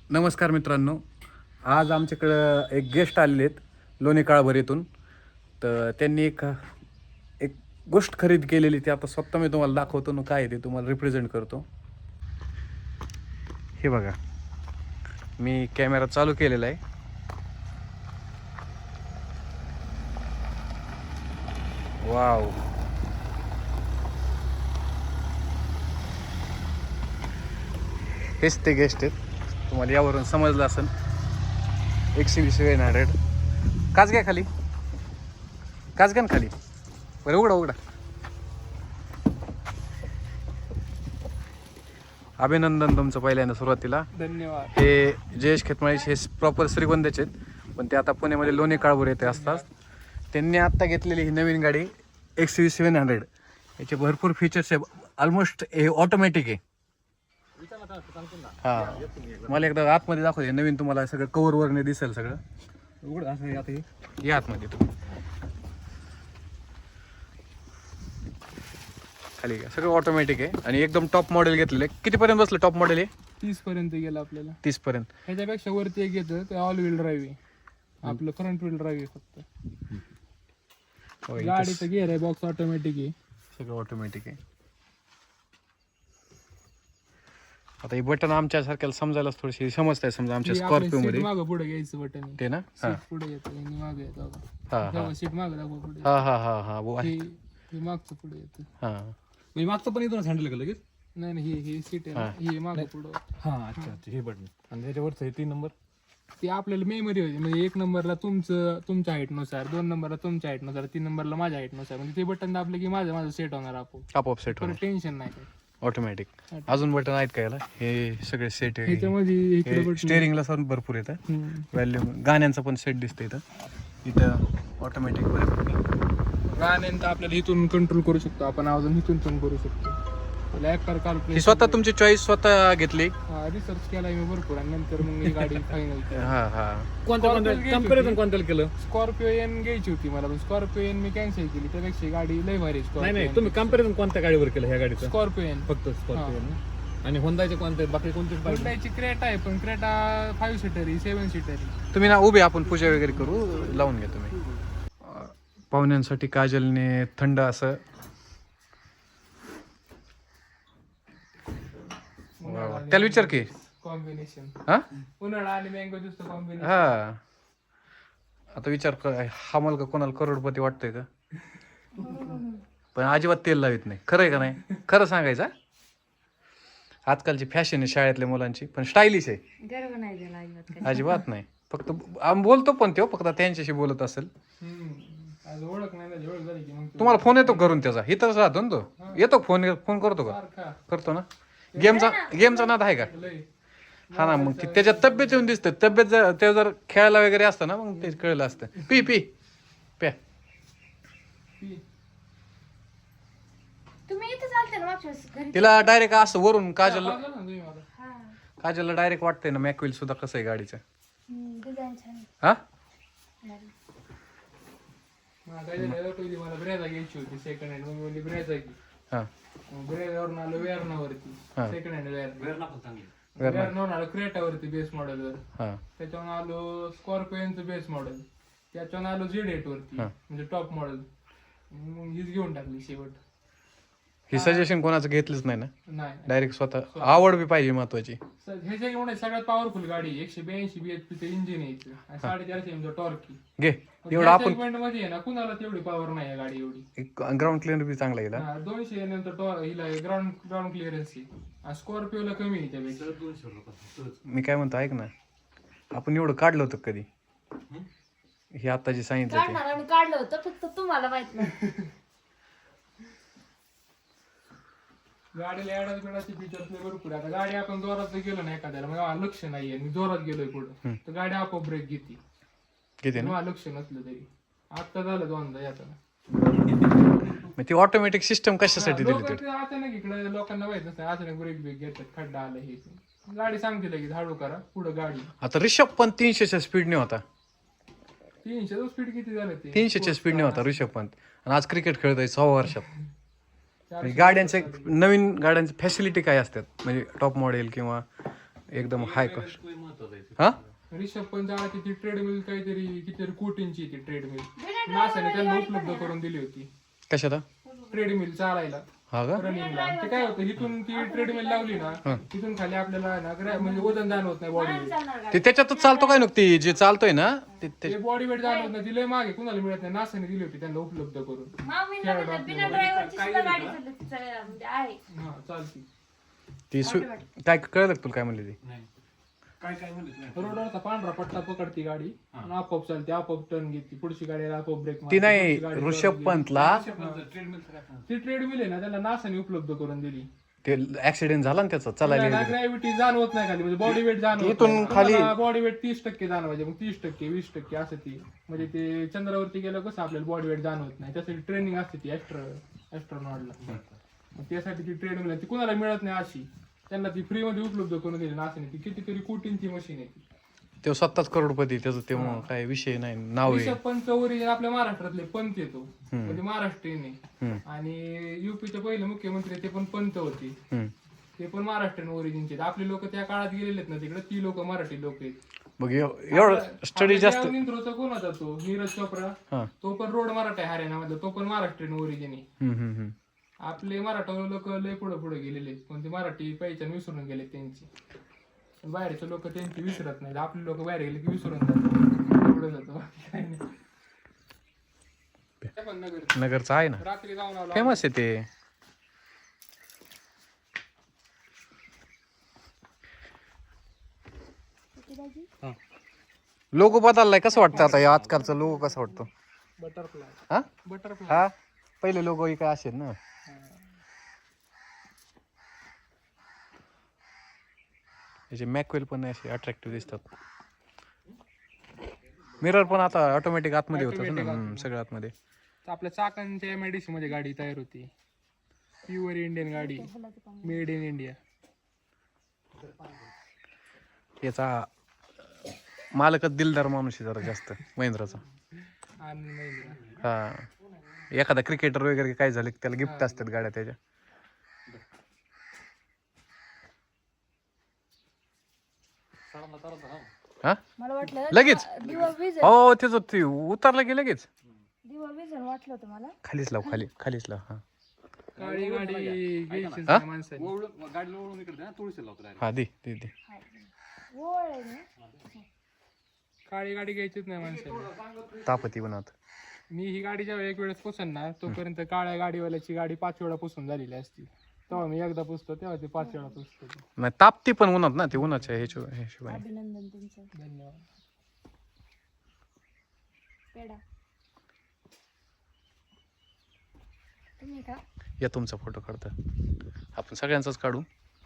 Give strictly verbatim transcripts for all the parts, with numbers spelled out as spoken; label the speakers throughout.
Speaker 1: नमस्कार मित्रांनो, आज आमच्याकडं एक गेस्ट आलेले आहेत लोणी काळभर येथून. तर त्यांनी एक एक गोष्ट खरेदी केलेली, ती आता स्वतः मी तुम्हाला दाखवतो ना काय आहे ते तुम्हाला रिप्रेझेंट करतो. हे बघा, मी कॅमेरा चालू केलेला आहे. वाव, हेच ते गेस्ट आहेत. तुम्हाला यावरून समजलं असेल. एकशे वीस सेवन हंड्रेड काच घ्या खाली, काच घ्या ना खाली. बरं उघडा उघडा. अभिनंदन तुमचं पहिल्यांदा सुरुवातीला.
Speaker 2: धन्यवाद.
Speaker 1: हे जयेश खेतमाळीचे हे प्रॉपर श्रीगोंद्याचे आहेत, पण ते आता पुण्यामध्ये लोणी काळभोर येथे असतात. त्यांनी आत्ता घेतलेली ही नवीन गाडी एक्स व्ही सेवन हंड्रेड. याचे भरपूर फीचर्स आहे. ऑलमोस्ट हे ऑटोमॅटिक आहे. हां, मला एकदा आतमध्ये दाखवते. नवीन तुम्हाला सगळं कवर वरने दिसेल सगळं. उघड असं आता हे या आतमध्ये तुम्ही खाली घ्या. सगळं ऑटोमॅटिक आहे आणि एकदम टॉप मॉडेल घेतलेलं आहे. कितीपर्यंत बसलं टॉप मॉडेल आहे?
Speaker 2: तीस पर्यंत गेला आपल्याला.
Speaker 1: तीस पर्यंत.
Speaker 2: ह्याच्यापेक्षा वरती एक येतं ते ऑल व्हील ड्राईव्ह आहे. आपलं फ्रंट व्हील ड्राईव्ह आहे फक्त. गाडीचं गिअर आहे बॉक्स ऑटोमॅटिक आहे.
Speaker 1: सगळं ऑटोमॅटिक आहे. आता हे बटन आमच्यासारख्याला समजायला थोडीशी समजताय. समजा आमच्या स्कॉर्पिओ मध्ये
Speaker 2: मागं पुढे घ्यायचं बटन
Speaker 1: ते ना.
Speaker 2: सीट पुढे येतं आणि मागे येतं
Speaker 1: हा
Speaker 2: बघा. सीट मागं दाखवा पुढे.
Speaker 1: हा हा हा हा वो आहे.
Speaker 2: हे हे मागचं पुढे येतं.
Speaker 1: हा,
Speaker 3: मी मागचं पण इथूनच हँडल केलं लगेच.
Speaker 2: नाही नाही हे हे सीट आहे ना, हे मागं पुढं.
Speaker 3: हां, अच्छा अच्छा, हे बटन आणि त्याच्यावरचं हे तीन नंबर.
Speaker 2: ते आपल्याला मेमरी होती. म्हणजे एक नंबरला तुमचं तुमच्या हाईटनुसार, दोन नंबरला तुमच्या हाईटनुसार, तीन नंबरला माझ्या हाईटनुसार. म्हणजे ते बटन दाबले की माझं माझं सेट होणार आपोआप.
Speaker 1: आपोआप सेट
Speaker 2: पण टेन्शन नाही काही.
Speaker 1: ऑटोमॅटिक. अजून बटन आहेत का याला? हे सगळे सेट आहे.
Speaker 2: ह्याच्यामध्ये इकडे बटन.
Speaker 1: स्टेअरिंगला पण भरपूर येतं.
Speaker 2: हम्म.
Speaker 1: व्हॅल्यूम गाण्यांचं पण सेट दिसतं इथं. इथं ऑटोमॅटिक बरं.
Speaker 2: गाण्यांचं आपल्याला इथून कंट्रोल करू शकतो आपण, अजून इथून पण करू शकतो. ऍक्टर
Speaker 1: ही
Speaker 2: कॅल्क्युलेशन
Speaker 1: स्वतः तुमची चॉईस स्वतः घेतली.
Speaker 2: रिसर्च केला मी भरपूर आणि नंतर मग ही गाडी फायनल केली.
Speaker 1: हा हा
Speaker 3: कोणत्या कोणत्या कम्पॅरिझन कोणत्याला केलं?
Speaker 2: स्कॉर्पिओ एन घ्यायची होती मला, पण स्कॉर्पिओ एन मी कॅन्सल केली. त्यापेक्षा ही गाडी लय भारी
Speaker 3: नाही
Speaker 2: स्कॉर्पिओ.
Speaker 3: नाही, तुम्ही कम्पॅरिझन कोणत्या गाडीवर केलं ह्या गाडीचं?
Speaker 2: Scorpio N.
Speaker 3: फक्त स्कॉर्पिओ ना. आणि होंडाचे कोणते बाकी कोणते पाहिजे?
Speaker 2: हुंडाईची क्रेटा आहे, पण क्रेटा फाईव्ह सीटर आहे, सेवन सीटर आहे.
Speaker 1: तुम्ही ना उभे, आपण पूजा वगैरे करू. लावून घ्या तुम्ही. पाहुण्यांसाठी काजलने थंड असं त्याला विचार की.
Speaker 2: कॉम्बिनेशन.
Speaker 1: हा
Speaker 2: उन्हाळा आणि मँगो ज्यूस कॉम्बिनेशन.
Speaker 1: हा, आता विचार कर, हा मुलगा कोणाला करोडपती वाटतोय का? पण अजिबात तेल लावित नाही. खरं आहे का नाही? खरं सांगायचं हा? आजकालची फॅशन आहे शाळेतल्या मुलांची, पण स्टायलिश आहे.
Speaker 4: गर्व नाही झाला अजिबात.
Speaker 1: अजिबात नाही. फक्त आम्ही बोलतो पण तो फक्त त्यांच्याशी बोलत असेल.
Speaker 2: आज ओळख नाही ना, ओळख झाली की मग तू
Speaker 1: तुम्हाला फोन येतो करून त्याचा? इथंच राहतो ना तो. येतो फोन फोन करतो का?
Speaker 2: सारखा
Speaker 1: करतो ना. गेमचा गेमचा नाद आहे का?
Speaker 2: लय.
Speaker 1: हा ना, मग ते त्याच्या तब्येत येऊन दिसतं. तब्येत जर ते जर खेळायला वगैरे असतं ना, मग ते कळलं असतं. पी पी प्या.
Speaker 2: पी.
Speaker 4: तुम्ही इथे चालते ना मागच्या वेळेस घरी.
Speaker 1: तिला डायरेक्ट असं वरून काजल
Speaker 2: पाहिलं ना तुम्ही मला.
Speaker 4: हा.
Speaker 1: काजलला डायरेक्ट वाटतंय ना मॅकविल सुद्धा कसं आहे गाडीचं.
Speaker 4: हम्म, डिझाईन छान आहे.
Speaker 1: हा
Speaker 4: भारी.
Speaker 2: मला काय झालं, पहिली मला ब्रेझा घ्यायची होती सेकंड हँड. मग मी बोलली ब्रेझा घे.
Speaker 1: हा
Speaker 2: ब्रेझावरून आलो वेअरनावरती.
Speaker 1: हा.
Speaker 2: Second hand wear.
Speaker 3: वेरणा पण चांगली.
Speaker 2: वेअरनावरून आलो क्रेटावरती बेस मॉडेलवर.
Speaker 1: हा
Speaker 2: त्याच्यावरून आलो स्कॉर्पिओनचं बेस मॉडेल. त्याच्यावरून आलो झेड एट वरती,
Speaker 1: हा.
Speaker 2: म्हणजे टॉप मॉडेल. मग हीच घेऊन टाकली शेवट.
Speaker 1: ही सजेशन कोणाचं घेतलंच नाही ना.
Speaker 2: नाही
Speaker 1: डायरेक्ट स्वतः आवड बी पाहिजे महत्वाची.
Speaker 2: स- ह्याच्या एवढे सगळ्यात पॉवरफुल गाडी आहे. एकशे ब्याऐंशी बीएचपीचं इंजिन आहे इथं. आणि साडेचारशे एमचं टॉर्क.
Speaker 1: घे एवढं आपण.
Speaker 2: मध्ये आहे ना, कुणाला तेवढी पॉवर नाही आहे गाडी एवढी.
Speaker 1: ग्राउंड क्लिअर बी चांगला गेला.
Speaker 2: हा, दोनशे नंतर टॉर हिला ग्राउंड ग्राउंड क्लिअरन्स आहे. स्कॉर्पिओला कमी आहे त्यापेक्षा.
Speaker 3: दोनशे रुपये.
Speaker 1: मी काय म्हणतो ऐक ना, आपण एवढं काढलं होतं कधी? हे आता जे सांगितलं ते.
Speaker 4: काढणार आम्ही काढलं होतं, फक्त तुम्हाला माहित नाही.
Speaker 2: गाडीला ऍडस बिडाचे फीचर्स भरपूर आहे. आता गाडी आपण जोरात जर गेलो ना एखाद्याला, मग मला लक्ष नाहीये, मी जोरात गेलोय पुढे, तर गाडी आपोआप ब्रेक घेते.
Speaker 1: किती ना.
Speaker 2: मला लक्ष नसलं तरी. आता झालं दोनदा येताना.
Speaker 1: मग ती ऑटोमॅटिक सिस्टम कशासाठी दिली
Speaker 2: लोकं
Speaker 1: तर?
Speaker 2: ते अचानक इकडे लोकांना माहित नसतं, अचानक ब्रेक ब्रेक घेतात, खड्डा आला हे ते. गाडी सांगते लगेच हळू करा पुढे गाडी.
Speaker 1: आता ऋषभ पण तीनशेच्या स्पीडने होता.
Speaker 2: तीनशे स्पीड किती झालं ते?
Speaker 1: तीनशेच्या स्पीडने होता ऋषभ पंत. आणि आज क्रिकेट खेळत आहे सहा वर्षात. म्हणजे गाड्यांचे नवीन गाड्यांचे फॅसिलिटी काय असतात, म्हणजे टॉप मॉडेल किंवा एकदम हाय कॉस्ट?
Speaker 3: महत्वाचं
Speaker 1: हा
Speaker 2: रिषभ पण जायची ती ट्रेडमिल काहीतरी कितीतरी कोटींची ती ट्रेडमिल नासाने त्यांना उपलब्ध करून दिली होती.
Speaker 1: कशाला
Speaker 2: ट्रेडमिल चालायला
Speaker 1: हा का
Speaker 2: रनिंगला. ते काय होतं इथून ती ट्रेडमिल लावली ना तिथून खाली आपल्याला ना ग्रॅ- म्हणजे वजन जाणवत नाही बॉडी वेट.
Speaker 1: ते त्याच्यातच चालतो काय नुकती जे चालतोय ना ते ते-
Speaker 2: ते बॉडी वेट जाणवत नाही. तिला मागे कुणाला मिळत नाही. नासाने दिली होती त्यांना उपलब्ध करून.
Speaker 4: मामीला म्हणलं, बिना ड्रायव्हरची सुद्धा गाडी चालते चालायला म्हणजे आहे.
Speaker 2: हा चालती.
Speaker 1: ती सु- काय कळलं का तुला काय म्हणले ती
Speaker 3: काय काय म्हणत
Speaker 2: रोडवरचा पांढरा पट्टा पकडती गाडी आणि आपोआप चालते, आपोआप टर्न घेते. पुढची गाडी आपोआप ब्रेक
Speaker 1: ती नाही ऋषभ पंतला
Speaker 2: ती ट्रेडमिल आहे ना त्याला नासाने उपलब्ध करून दिली.
Speaker 1: ते ऍक्सिडेंट झाला ना त्याचा चालायला
Speaker 2: ग्रॅव्हिटी जाणवत नाही खाली म्हणजे बॉडी वेट जाणवत
Speaker 1: इथून खाली-
Speaker 2: बॉडी वेट तीस टक्के जाणवायचे मग तीस टक्के वीस टक्के असं ती म्हणजे ते चंद्रावरती गेलं कसं आपल्याला बॉडी वेट जाणवत नाही. त्यासाठी ट्रेनिंग असते ती ऍस्ट्रो ऍस्ट्रॉनॉटला. मग त्यासाठी ती ट्रेडमिल ती कुणाला मिळत नाही अशी त्यांना ती फ्री मध्ये उपलब्ध करून दिली नासाने. ती कितीतरी कोटींची मशीन आहे ती.
Speaker 1: तो स्वतःच करोडपती त्याचं ते मग काय विषय नाही नाव आहे
Speaker 2: रिषभ पंत ओरिजिन आपल्या महाराष्ट्रातले पंत येतो म्हणजे महाराष्ट्रीयन आहे.
Speaker 1: हम्म,
Speaker 2: आणि युपीचे पहिले मुख्यमंत्री ते पण पंत होते.
Speaker 1: हम्म.
Speaker 2: ते पण महाराष्ट्रीयन ओरिजिनचे. आपले लोक त्या काळात गेलेले आहेत ना तिकडे ती लोक मराठी लोक आहेत.
Speaker 1: बघ एव- एवढं स्टडी जास्त
Speaker 2: इंद्रोचा कोण होता तो नीरज चोप्रा
Speaker 1: हा
Speaker 2: तो पण रोड मराठा आहे हरियाणामधला. तो पण महाराष्ट्रीयन ओरिजिन आहे.
Speaker 1: हम्म, हम्म, हम्म.
Speaker 2: आपले मराठा लोक लय पुढे पुढे गेलेले आहेत. पण ते मराठी पहिचान विसरून गेले त्यांची. पण बाहेरचे लोक त्यांची विसरत नाही. आपले लोक बाहेर गेले की विसरून जातात पुढे जातो. काही नाही. ते पण नगर
Speaker 1: नगरचं आहे ना
Speaker 2: रात्री जाऊन आलो.
Speaker 1: फेमस आहे ते लोगो बदललाय कसं वाटतं आता या आजकालचा लोगो कसा वाटतो
Speaker 2: बटरफ्लाय
Speaker 1: हा
Speaker 2: बटरफ्लाय
Speaker 1: हा पहिले लोगो काय असेल ना याचे मॅकवेल पण असे अट्रॅक्टिव्ह दिसतात. मिरर पण आता ऑटोमॅटिक आतमध्ये होतात ना हम्म, सगळं आतमध्ये.
Speaker 2: आपल्या चाकांच्या एमआयडीसी मध्ये गाडी तयार होती. प्युअर इंडियन गाडी मेड इन इंडिया.
Speaker 1: याचा मालकच दिलदार माणूस आहे जरा जास्त महिंद्राचा.
Speaker 2: आणि महिंद्रा.
Speaker 1: हा एखादा क्रिकेटर वगैरे काय झालं की त्याला गिफ्ट असतात गाड्या त्याच्या. हा
Speaker 4: मला वाटलं
Speaker 1: लगेच
Speaker 4: दिवा विजन
Speaker 1: हो त्याचं ते उतरलं की लगेच
Speaker 4: दिवा विजन वाटलं होतं मला.
Speaker 1: खालीच लाव खाली खालीच लाव हा
Speaker 2: काळी गाडी घ्यायची
Speaker 1: हा?
Speaker 2: माणसाने.
Speaker 3: ओळून गाडीला ओळून इकडे ना तुळशी लावतो
Speaker 1: हा दे दे दे
Speaker 4: ओळ आहे ना.
Speaker 2: काळी गाडी घ्यायचीच नाही माणसाने.
Speaker 1: तापती बनवत
Speaker 2: मी ही गाडी जेव्हा एक वेळेस पुसन ना तोपर्यंत काळ्या गाडीवाल्याची गाडी पाच वेळा पुसून झालेली असती. तेव्हा मी एकदा पुसतो तेव्हा ते पाच वेळा पुसतो.
Speaker 1: नाही तापती पण उन्हात ना ते उन्हाच्या ह्याच्या हिशोबाने.
Speaker 4: अभिनंदन तुमचं.
Speaker 2: धन्यवाद.
Speaker 4: पेढा तुम्ही का
Speaker 1: या तुमचा फोटो काढता आपण सगळ्यांचाच काढू.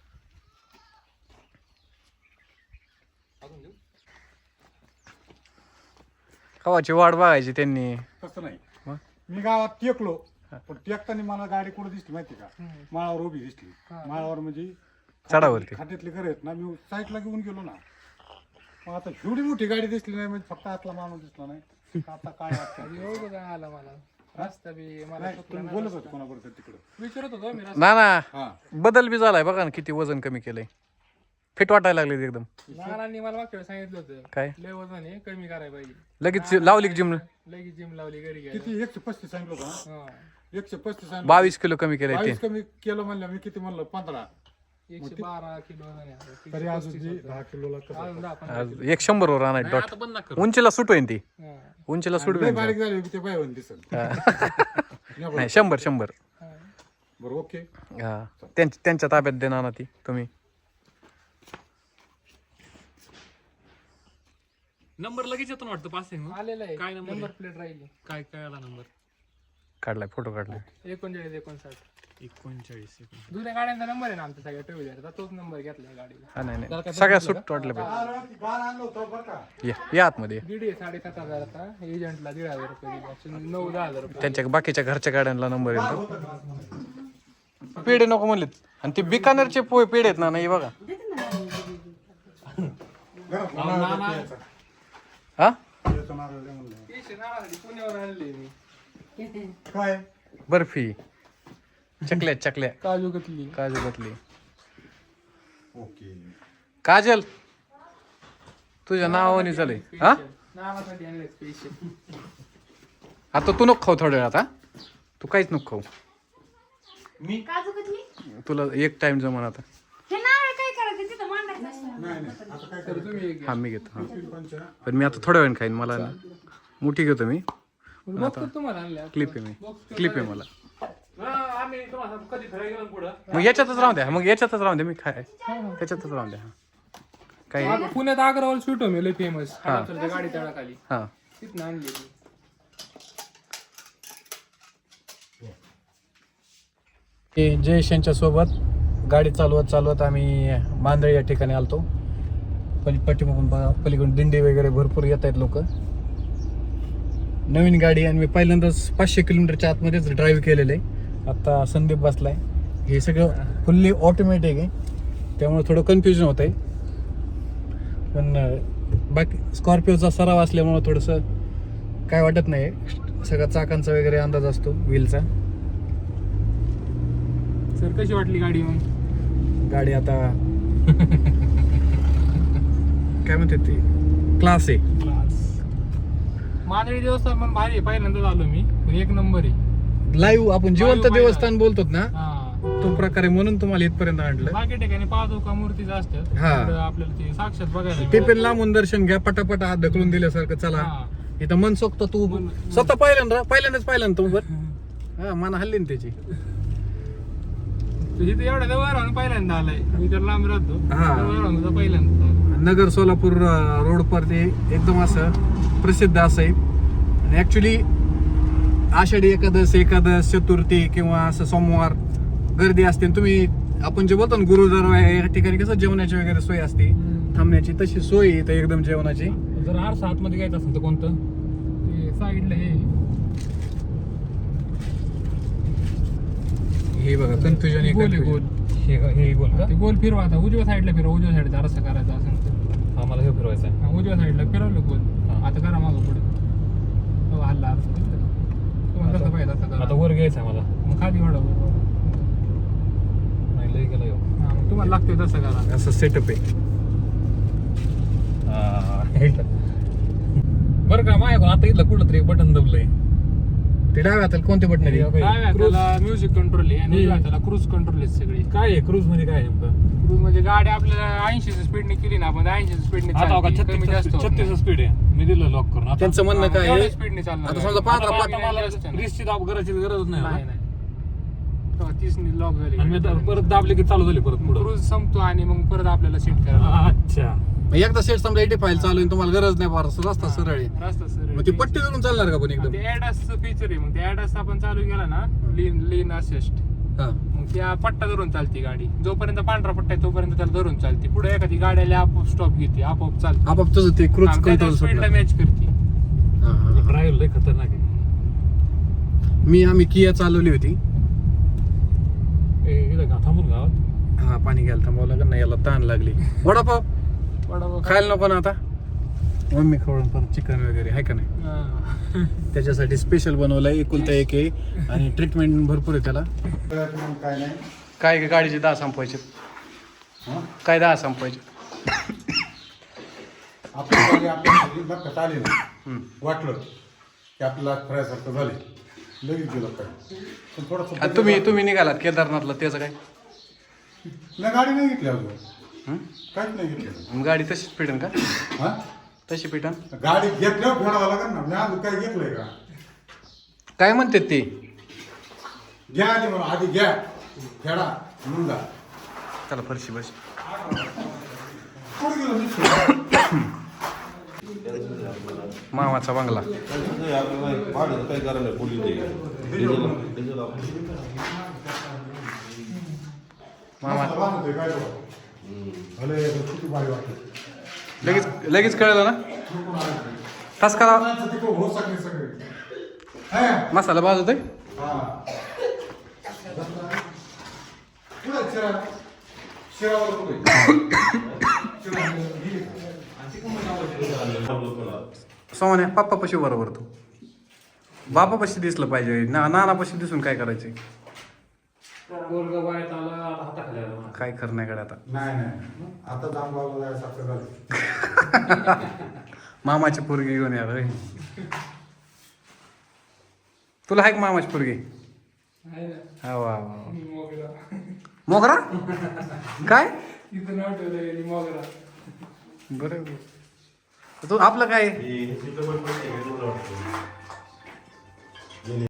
Speaker 1: कवाची वाट बघायची त्यांनी.
Speaker 5: तसं नाही
Speaker 1: मग?
Speaker 5: मी गावात टेकलो पण टेकताना मला गाडी कुठं दिसली माहिती का माळावर उभी दिसली. माळावर म्हणजे
Speaker 1: चढावरती.
Speaker 5: खात्यातले घर आहेत ना मी साईडला घेऊन गेलो ना मग आता एवढी मोठी गाडी दिसली नाही म्हणजे फक्त आतला माणूस दिसला नाही आता काय वाटतं
Speaker 2: एवढं काय आला मला रस्ता बी मला
Speaker 5: नाही
Speaker 2: सुचला
Speaker 5: तुम्ही
Speaker 2: नाही.
Speaker 5: बोलत होते कोणाबरोबर तिकडं
Speaker 2: विचारत होतो मी रस्ता.
Speaker 1: ना ना
Speaker 5: हा
Speaker 1: बदल बी झालाय बघा ना किती वजन कमी केलंय. फिट वाटायला लागले एकदम.
Speaker 2: नानांनी मला मागच्या वेळेस सांगितलं होतं
Speaker 1: काय
Speaker 2: लय वजन आहे कमी करायला पाहिजे.
Speaker 1: लगेच लावली जिम
Speaker 2: लगेच जिम लावली घरी घ्यायला.
Speaker 5: किती एकशे पस्तीस सांगितलं होतं ना?
Speaker 2: हा.
Speaker 5: एकशे पस्तीस सांगितलं
Speaker 1: बावीस किलो कमी केलंय ते.
Speaker 5: बावीस कमी केलं म्हणलं मी किती म्हणलं पंधरा
Speaker 2: एकशे बारा किलो वजन आहे आता.
Speaker 5: तरी अजून जी दहा किलोला कसं
Speaker 2: अजून दहा पंधरा
Speaker 1: आज एक शंभर वर आणाय डॉट
Speaker 3: आता बंद नका करू.
Speaker 1: उंचीला सुट होईन ती.
Speaker 2: हा.
Speaker 1: उंचीला सुट
Speaker 5: लय
Speaker 1: होईन
Speaker 5: बारीक झाली की ते बाय होऊन दिसल
Speaker 1: नाही शंभर शंभर
Speaker 2: हा.
Speaker 5: बरं ओके
Speaker 1: हा त्यांच्या त्यांच्या ताब्यात देणार ना ती तुम्ही.
Speaker 3: नंबर लगेच येतो ना वाटतं पासिंग.
Speaker 2: आलेलं आहे
Speaker 3: काय number
Speaker 2: नंबर प्लेट राहिली.
Speaker 3: काय काय आला नंबर
Speaker 1: काढलाय फोटो काढलाय.
Speaker 2: एकोणचाळीस एकोणसाठ
Speaker 3: एकोणचाळीस सेकंद.
Speaker 2: जुन्या गाड्यांचा नंबर आहे ना आमच्या सगळ्या टू व्हीलरचा तोच नंबर घेतलाय गाडीला.
Speaker 1: हा नाही नाही सगळ्या सुट वाटलं पाहिजे.
Speaker 5: गार आणलं होतं बरं का
Speaker 1: या या आतमध्ये
Speaker 2: दीड आहे साडेसात हजाराचा एजंटला दीड हजार रुपये दिला नऊ दहा हजार रुपये.
Speaker 1: त्यांच्या बाकीच्या घरच्या गाड्यांना नंबर येतो. पेढे नको म्हणलेत आणि ते बिकानेरचे पोहे पेढे आहेत ना नाही बघा हा
Speaker 5: याचं नारळ दे म्हणलं.
Speaker 2: तीनशे नारळासाठी पुण्यावर आणले मी.
Speaker 5: काय
Speaker 1: बर्फी चकल्या चकल्या
Speaker 2: काजू कतली
Speaker 1: काजू घातली.
Speaker 5: ओके
Speaker 1: काजल तुझ्या नावाने झालंय हा
Speaker 2: नावासाठी आणले स्पेशल.
Speaker 1: आता तू नको खाऊ थोड्या वेळ आता तू काहीच नको खाऊ
Speaker 4: काजू कतली
Speaker 1: तुला एक टाइम जमन आता
Speaker 4: हे नारळ काय करायचं तिथं मांडायचं असतं.
Speaker 5: नाही नाही आता काय
Speaker 2: तर तुम्ही एक
Speaker 1: हा मी घेतो हा
Speaker 5: पंच ना
Speaker 1: पण मी आता थोड्या वेळ खाईन मला ना मोठी घेतो मी
Speaker 2: बघतो तुम्हाला आणल्या.
Speaker 1: क्लिप आहे मी क्लिप आहे मला
Speaker 3: हा, आम्ही तुम्हाला कधी फिरायला गेलो ना पुढं
Speaker 1: मग याच्यातच राहून द्या मग याच्यातच राहून द्या मी खाय त्याच्यातच राहून द्या हा. काही
Speaker 2: आग- पुण्यात अग्रवाल स्वीट होम लय फेमस गाडी तळाखाली
Speaker 1: हा
Speaker 2: तिथनं आणली ती.
Speaker 1: जयेश यांच्या सोबत गाडी चालवत चालवत आम्ही मांदळी या ठिकाणी आलतो पली पाठीमागून बघा पलीकडून दिंडी वगैरे भरपूर येत आहेत लोक नवीन गाडी आणि मी पहिल्यांदाच पाचशे किलोमीटरच्या आतमध्येच ड्राईव्ह केलेलं आहे आता संदीप बसलाय हे सगळं फुल्ली ऑटोमॅटिक आहे त्यामुळे थोडं कन्फ्युजन होत आहे पण अं, बाकी स्कॉर्पिओचा सराव असल्यामुळं थोडंसं काय वाटत नाही सगळ्या चाकांचा वगैरे अंदाज असतो व्हीलचा
Speaker 2: सर कशी वाटली गाडी मग?
Speaker 1: गाडी आता काय म्हणते ती क्लास आहे
Speaker 2: मांदळी देवस्थान पण भारी आहे. पहिल्यांदाच आलो मी पण एक नंबर आहे.
Speaker 1: लाईव्ह आपण जिवंत
Speaker 2: Live
Speaker 1: देवस्थान बोलतो ना
Speaker 2: हा
Speaker 1: तो प्रकारे म्हणून तुम्हाला इथपर्यंत आणलं
Speaker 2: बाकी ठिकाणी पादुका मूर्तीच असतात
Speaker 1: हा.
Speaker 2: इकडं आपल्याला ते साक्षात बघायला
Speaker 1: ते पण लांबून दर्शन घ्या पटापट हात ढकलून दिल्यासारखं चला
Speaker 2: हा.
Speaker 1: इथं मनसोक्त तू स्वतः पहिल्यांदा पहिल्यांदाच पहिल्यांदा तू बर हा मना हल्ली ना त्याची
Speaker 2: तुझी तर एवढ्या जवळ राहून पहिल्यांदा आलाय मी तर लांब राहतो
Speaker 1: हा.
Speaker 2: जवळ राहून तुझा पहिल्यांदा आलाय.
Speaker 1: नगर सोलापूर रोड पर ते एकदम असं प्रसिद्ध असं आहे आणि ऍक्च्युली आषाढी एकादश एकादश चतुर्थी किंवा असं सोमवार गर्दी असते आणि तुम्ही आपण जे बोलतो ना गुरुद्वारा या ठिकाणी कसं जेवणाची वगैरे सोय असते थांबण्याची तशी सोय आहे इथं एकदम जेवणाची
Speaker 3: जर आरसा आतमध्ये घ्यायचं असेल तर कोणतं
Speaker 2: ते साईडला हे
Speaker 1: हे बघा कन्फ्युजन
Speaker 2: गोल आहे, गोल
Speaker 3: हे हे गोल का
Speaker 2: ते गोल फिरवा आता उजव्या साईडला फिरवा उजव्या साईडचा रस्ता करायचा असेल तर
Speaker 3: हा मला हे फिरवायचं आहे
Speaker 2: हा, उजव्या साईडला फिरवलं गोल
Speaker 3: हा.
Speaker 2: आता करा मागं पुढे हो, हल्ला अर्थ तुम्हाला कसं पाहिजे असं
Speaker 3: आता
Speaker 2: करा
Speaker 3: वर घ्यायचं आहे मला
Speaker 2: मग खाली वाढव
Speaker 3: नाही लई गेला ह्यो.
Speaker 2: हा मग तुम्हाला लागतंय तसं करा
Speaker 1: असं सेटअप आहे
Speaker 3: हा, हे का? बरं का माझ्या आता इथलं कुठलं तरी बटन दबलंय
Speaker 1: ते डाव्या हाताला कोणते बटन आहे
Speaker 2: डाव्या हाताला म्युझिक कंट्रोल आहे आणि उजव्या हाताला क्रूज कंट्रोल आहे सगळी
Speaker 3: काय आहे क्रूज मध्ये काय आहे नेमकं
Speaker 2: क्रूज म्हणजे गाडी आपल्याला ऐंशी स्पीडने केली ना आपण ऐंशी स्पीडने
Speaker 3: आता बघा
Speaker 2: कमी जास्त
Speaker 3: छत्तीस
Speaker 2: होत नाही.
Speaker 3: छत्तीस स्पीड आहे मी दिलं लॉक करून आता
Speaker 1: त्यांचं म्हणणं काय आहे
Speaker 2: स्पीडने चालणार
Speaker 1: आता
Speaker 2: आहे.
Speaker 1: समजा पाच
Speaker 2: आता
Speaker 1: पाच
Speaker 2: मला
Speaker 3: मला
Speaker 2: जास्त नाही.
Speaker 3: रिस्कची दाब करायची गरज नाही
Speaker 2: नाही
Speaker 3: आता.
Speaker 2: नाही तेव्हा तीसने लॉक झाली
Speaker 3: आणि मी आता परत दाबले की चालू झाली परत पुढं
Speaker 2: क्रूज संपतो आणि मग परत आपल्याला सीट करायला
Speaker 3: अच्छा
Speaker 1: मग एकदा सेट समजा एटी फाईल चालू आहे तुम्हाला गरज नाही फार रस्ता सरळ आहे
Speaker 2: रस्ता सरळ
Speaker 1: मग ती पट्टी धरून चालणार का पण एकदम
Speaker 2: ते ऍडासचं फीचर आहे मग ते ऍडास आपण चालू केला ना लीन लीन असिस्ट
Speaker 1: हा
Speaker 2: मग त्या पट्टा धरून चालते गाडी जोपर्यंत पांढरा पट्टा आहे तोपर्यंत त्याला धरून चालते पुढे एखादी गाडी आली आपोआप स्टॉप घेते आपोआप चालते
Speaker 1: आपाप तुझं ते क्रूज कंट्रोल
Speaker 2: स्पीडला
Speaker 1: सुटलं
Speaker 2: मॅच करते
Speaker 1: हा, हा, हा.
Speaker 3: ड्राईव्ह लय खतरनाक आहे
Speaker 1: मी आम्ही किया चालवली होती
Speaker 3: ए, इथं का थांबून गावात
Speaker 1: हा पाणी घ्यायला थांबावं लागेल ना याला ताण लागली वडापाव
Speaker 2: वडापाव
Speaker 1: खायला नको ना आता मम्मी खवळून परत चिकन वगैरे आहे का नाही
Speaker 2: हा.
Speaker 1: त्याच्यासाठी स्पेशल बनवलंय एकुलता एक आहे आणि ट्रीटमेंट भरपूर आहे त्याला
Speaker 5: मग काय नाही
Speaker 1: काय गाडीचे दहा संपवायचे
Speaker 5: हं?
Speaker 1: काय दहा संपवायचे
Speaker 5: आपली गाडी आपल्या लक्षात आली ना
Speaker 1: हम्म.
Speaker 5: वाटलं की आपल्याला फिरायसारखं झाले लगेच गेलं काय पण थोडंसं
Speaker 1: आणि तुम्ही तुम्ही निघालात केदारनाथला त्याचं काय
Speaker 5: नाही गाडी नाही घेतली अजून
Speaker 1: हं?
Speaker 5: काहीच नाही घेतलं
Speaker 1: मग गाडी तशीच पिटन का
Speaker 5: हा
Speaker 1: तशी पिटन
Speaker 5: गाडी घेतल्यावर फेडावं लागेल ना मी अजून काही घेतलंय का
Speaker 1: काय म्हणतात ते
Speaker 5: घ्या आधी म्हणून आधी घ्या फेडा म्हणून जा
Speaker 1: त्याला फरशी बस
Speaker 5: कुठे गेलो मी?
Speaker 1: मामाचा बंगला
Speaker 6: काय करायला पोलीस
Speaker 1: मामा
Speaker 5: बांधतोय काय बघा. भले किती भारी वाटतं.
Speaker 1: लगेच लगेच कळलं ना तास करा
Speaker 5: माणसं तिकडं हो सगळे सगळे है?
Speaker 1: मसाला भाजतोय
Speaker 5: हा. कुठं आहे शिरा? शिरावर कुठं आहे? शिरा गेली का?
Speaker 1: सोन्या पप्पा पशी बरोबर तू बापा पशी दिसलं पाहिजे ना नाना पशी दिसून काय करायचंय
Speaker 3: पोरगं वयात आलं आता हाताखाली आलं.
Speaker 1: काय खरं नाही कडे आता.
Speaker 5: नाही नाही आता जांभगावला जायसारखं झालं.
Speaker 1: मामाची पोरगी घेऊन या रे. तुला आहे का मामाची पोरगी?
Speaker 2: आहे ना
Speaker 1: हा वा वा.
Speaker 2: मोगरा.
Speaker 1: मोगरा काय
Speaker 2: तिथं नाव ठेवलं मोगरा.
Speaker 1: बरं तू आपलं काय
Speaker 6: हे चित्रपट पण आहे, हे तुला वाटतं.